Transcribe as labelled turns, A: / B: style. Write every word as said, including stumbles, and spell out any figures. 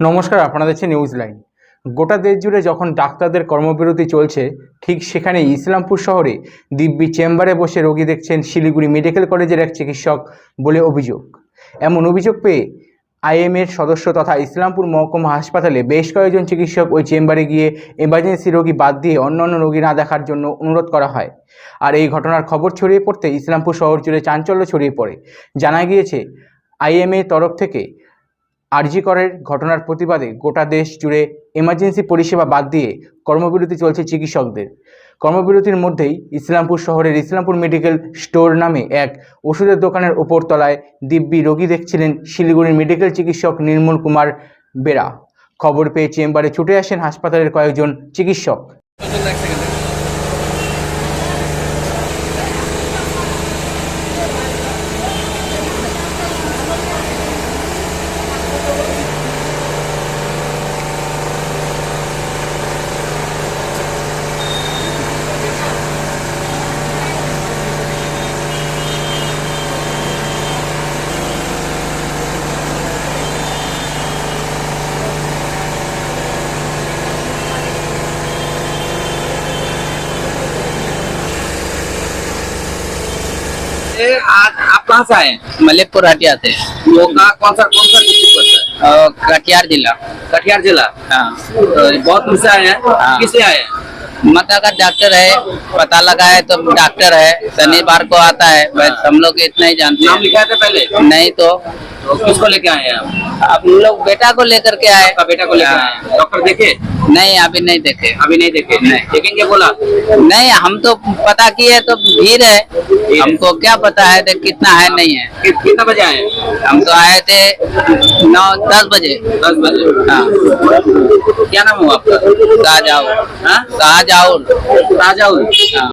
A: নমস্কার, আপনারা দেখছেন নিউজ লাইন। গোটা দেশ জুড়ে যখন ডাক্তারদের কর্মবিরতি চলছে, ঠিক সেখানে ইসলামপুর শহরে দিব্যি চেম্বারে বসে রোগী দেখছেন শিলিগুড়ি মেডিকেল কলেজের এক চিকিৎসক বলে অভিযোগ। এমন অভিযোগ পেয়ে আইএমএর সদস্য তথা ইসলামপুর মহকুমা হাসপাতালে বেশ কয়েকজন চিকিৎসক ওই চেম্বারে গিয়ে এমার্জেন্সি রোগী বাদ দিয়ে অন্যান্য রোগী না দেখার জন্য অনুরোধ করা হয়। আর এই ঘটনার খবর ছড়িয়ে পড়তে ইসলামপুর শহর জুড়ে চাঞ্চল্য ছড়িয়ে পড়ে। জানা গিয়েছে, আইএমএ তরফ থেকে আরজি করের ঘটনার প্রতিবাদে গোটা দেশ জুড়ে এমার্জেন্সি পরিষেবা বাদ দিয়ে কর্মবিরতি চলছে চিকিৎসকদের। কর্মবিরতির মধ্যেই ইসলামপুর শহরের ইসলামপুর মেডিকেল স্টোর নামে এক ওষুধের দোকানের ওপর তলায় দিব্যি রোগী দেখছিলেন শিলিগুড়ির মেডিকেল চিকিৎসক নির্মল কুমার বেরা। খবর পেয়ে চেম্বারে ছুটে আসেন হাসপাতালের কয়েকজন চিকিৎসক।
B: आज आप कहाँ से आए?
C: मलिकपुर हटिया से।
B: वो कहाँ कौन सा कौन सा डिस्ट्रिक्ट पड़ता है?
C: और कटिहार जिला।
B: कटिहार जिला।
C: हाँ,
B: तो बहुत दूर से आए हैं।
C: हाँ।
B: किससे आए हैं?
C: मक्का का डॉक्टर है, पता लगा है तो डॉक्टर है, शनिवार को आता है, बस हम लोग इतना ही जानते
B: नाम
C: हैं।
B: लिखा था पहले?
C: नहीं तो
B: तो किसको लेके आए हैं आप?
C: अब लोग बेटा को लेकर के आए।
B: आपका बेटा को लेके
C: हाँ।
B: आए हैं। डॉक्टर देखे?
C: नहीं, अभी नहीं देखे।
B: अभी नहीं देखे।
C: नहीं।
B: देखेंगे बोला?
C: नहीं, हम तो पता किए तो भीड़ है, हमको क्या पता है देख कितना है नहीं है।
B: कि, कितना बजे आए हैं?
C: हम तो आए थे नौ दस बजे।
B: दस बजे।
C: हाँ,
B: क्या नाम हुआ आपका?
C: शाहजहां।
B: हाँ?
C: शाहजहां।
B: राजाउल।
C: हाँ।